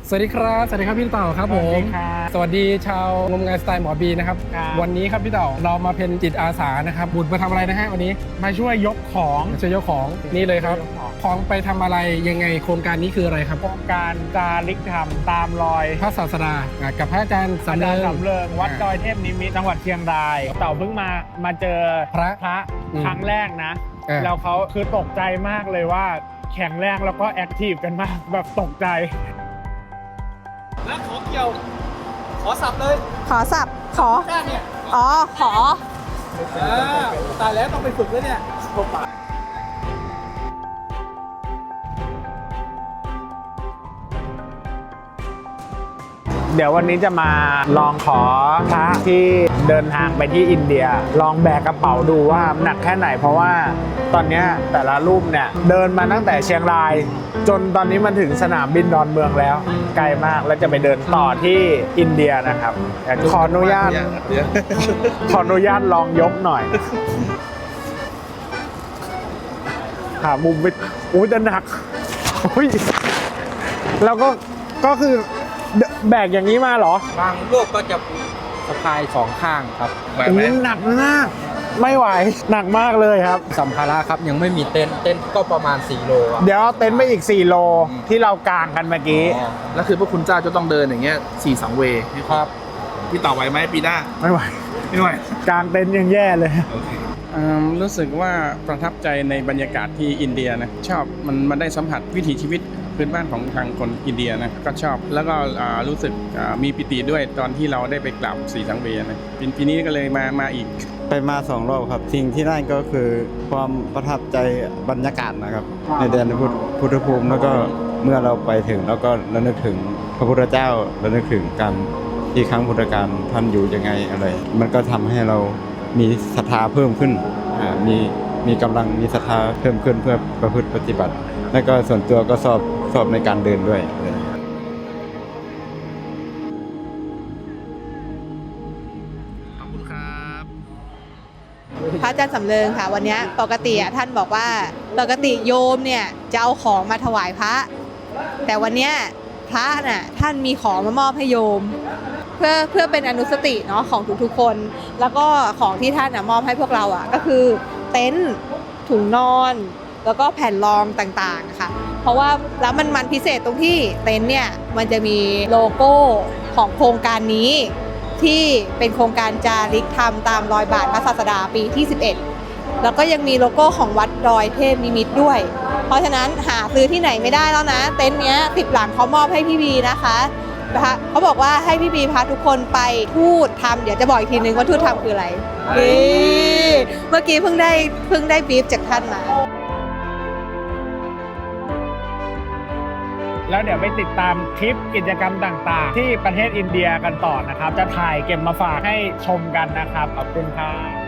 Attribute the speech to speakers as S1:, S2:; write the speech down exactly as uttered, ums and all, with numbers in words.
S1: สวัสดีครับสวัสดีครับพี่เต่าครับผมสวัสดีชาวงมงานสไตล์หมอบีนะครับวันนี้ครับพี่เต่าเรามาเป็นจิตอาสานะครับบุญมาทำอะไรนะฮะวันนี้
S2: มาช่วยยกของ
S1: มาช่วยยกของนี่เลยครับของไปทำอะไรยังไงโครงการนี้คืออะไรครับ
S2: โครงการจาริกธรรมตามรอย
S1: พระศาสดากับพระอาจารย์สำเริง
S2: สำเริงวัดดอยเทพนิมิตรจังหวัดเชียงรายเต่าเพิ่งมามาเจอพระพระครั้งแรกนะแล้วเขาคือตกใจมากเลยว่าแข็งแรงแล้วก็แอคทีฟกันมากแบบตกใจ
S3: แล้วขอเกี่ยวขอสับเลย
S4: ขอสับขอ
S3: เนี่ย
S4: อ๋อขอ
S3: ตายแล้วต้องไปฝึกแล้วเนี่ย
S2: เดี๋ยววันนี้จะมาลองขอพระที่เดินทางไปที่อินเดียลองแบกกระเป๋าดูว่าหนักแค่ไหนเพราะว่าตอนนี้แต่ละรูปเนี่ยเดินมาตั้งแต่เชียงรายจนตอนนี้มันถึงสนามบินดอนเมืองแล้วไกลมากแล้วจะไปเดินต่อที่อินเดียนะครับขออนุญาตขออนุญาตลองยกหน่อยหามุมไปอุ้ยจะหนักอุ้ยแล้วก็ก็คือแบกอย่างนี้มาเหรอบ
S3: างรูปก็จะสะพายสองข้างครับ
S2: แบบนี้หนักมากไม่ไหวหนักมากเลยครับ
S3: สัมภาระครับยังไม่มีเต็นท์เต็นท์ก็ประมาณสี่โล
S2: เดี๋ยวเต็นท์ไปอีกสี่โลที่เรากางกันเมื่อกี้
S5: แล้วคือพวกคุณเจ้าจะต้องเดินอย่างเงี้ยสี่สังเวย์
S3: ครับ
S5: พี่ต่อไหวไหมปีหน้า
S2: ไม่ไหว
S5: ไม่ไหว
S2: กางเต็นท์ยังแย่เลย
S1: รู้สึกว่าประทับใจในบรรยากาศที่อินเดียนะชอบมันมันได้สัมผัสวิถีชีวิตพื้นบ้านของทางคนอินเดียนะก็ชอบแล้วก็รู้สึกมีปิติด้วยตอนที่เราได้ไปกราบสีสังเวยนะปีนี้ก็เลยมามาอีก
S6: ไปมาสองรอบครับสิ่งที่ได้ก็คือความประทับใจบรรยากาศนะครับในแดนพุทธภูมิแล้วก็เมื่อเราไปถึงแล้วก็ระลึกถึงพระพุทธเจ้าระลึกถึงการที่ครั้งพุทธกาลท่านอยู่ยังไงอะไรมันก็ทำให้เรามีศรัทธาเพิ่มขึ้นมีมีกำลังมีศรัทธาเพิ่มขึ้นเพื่อประพฤติปฏิบัติและก็ส่วนตัวก็สอบสอบในการเดินด้วย
S5: ขอบคุณครับ
S4: พระอาจารย์สำเริงค่ะวันนี้ปกติท่านบอกว่าปกติโยมเนี่ยจะเอาของมาถวายพระแต่วันนี้พระน่ะท่านมีของมามอบให้โยมเพื่อเพื่อเป็นอนุสติเนาะของทุกๆคนแล้วก็ของที่ท่านมอบให้พวกเราอ่ะก็คือเต็นท์ถุงนอนแล้วก็แผ่นรองต่างๆค่ะเพราะว่าแล้วมันมันพิเศษตรงที่เต็นท์เนี่ยมันจะมีโลโก้ของโครงการนี้ที่เป็นโครงการจาริกธรรมตามรอยบาทพระศาสดาปีที่สิบเอ็ดแล้วก็ยังมีโลโก้ของวัดดอยเทพนิมิตรด้วยเพราะฉะนั้นหาซื้อที่ไหนไม่ได้แล้วนะเต็นท์เนี้ยสิบหลังเขามอบให้พี่บีนะคะเขาบอกว่าให้พี่บีพาทุกคนไปทูตทำเดี๋ยวจะบอกอีกทีนึงว่าทูตทำคืออะไรเมื่อกี้เพิ่งได้เพิ่งได้บีฟจากท่านมา
S2: แล้วเดี๋ยวไปติดตามคลิปกิจกรรมต่างๆที่ประเทศอินเดียกันต่อนะครับจะถ่ายเก็บมาฝากให้ชมกันนะครับขอบคุณครับ